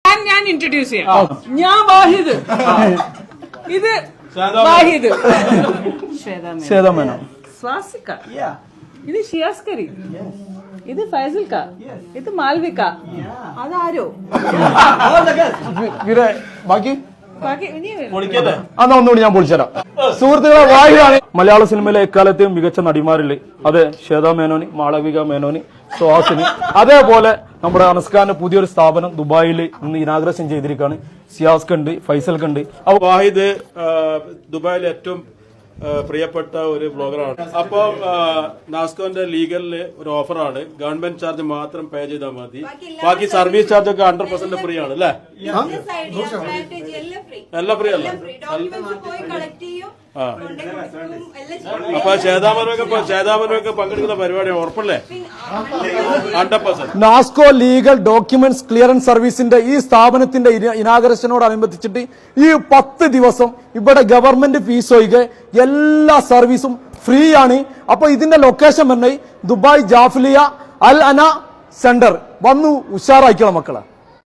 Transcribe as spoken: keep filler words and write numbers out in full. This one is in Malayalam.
ഞാൻ ഇൻട്രൊഡ്യൂസ് ചെയ്യാം. ഞാൻ വാഹിദ്, ഇത് വാഹിദ്, ശ്വേത മേനോൻ, സ്വാസിക, ഇത് ഷിയാസ്കരി, ഇത് ഫൈസൽക്ക, ഇത് മാൽവിക, അതാരോ ബാക്കി ബാക്കി ഇനി അന്നാ ഒന്നുകൂടി ഞാൻ പൊളിച്ചുതരാം. സുഹൃത്തുക്കളെ, വാഹിദാണ് മലയാള സിനിമയിലെ എക്കാലത്തെയും മികച്ച നടിമാരിൽ. അതെ, ശ്വേത മേനോന്, മാളവിക മേനോന്, സുഹാസിനി. അതേപോലെ നമ്മുടെ അനസ്കാന്റെ പുതിയൊരു സ്ഥാപനം ദുബായിൽ ഇന്ന് ഇനാഗ്രേഷൻ ചെയ്തിരിക്കുകയാണ്. സിയാസ്ക ഉണ്ട്, ഫൈസൽക്ക് ഉണ്ട്. വാഹിദ് ദുബായിലെ ഏറ്റവും പ്രിയപ്പെട്ട ഒരു ബ്ലോഗറാണ്. അപ്പോൾ നാസ്കോന്റെ ലീഗലില് ഒരു ഓഫറാണ്. ഗവൺമെന്റ് ചാർജ് മാത്രം പേ ചെയ്താൽ മതി, ബാക്കി സർവീസ് ചാർജ് ഒക്കെ ഹൺഡ്രഡ് പെർസെന്റ് ഫ്രീ ആണ് അല്ലേ? എല്ലാം ഫ്രീ അല്ലേ? ആ, അപ്പൊ ചേതാമനൊക്കെ ചേതാമനൊക്കെ പങ്കെടുക്കുന്ന പരിപാടിയാണ്, ഉറപ്പല്ലേ? Hundred percent. Nasco legal documents clearance സർവീസിന്റെ ഈ സ്ഥാപനത്തിന്റെ ഇനാഗറേഷനോടനുബന്ധിച്ചിട്ട് ഈ പത്ത് ദിവസം ഇവിടെ ഗവൺമെന്റ് ഫീസ് ഒഴികെ എല്ലാ സർവീസും ഫ്രീ ആണ്. അപ്പൊ ഇതിന്റെ ലൊക്കേഷൻ പറഞ്ഞ ദുബായ് ജാഫ്ലിയ അൽ അന സെന്റർ വന്നു ഉഷാറായിക്കണം മക്കളെ.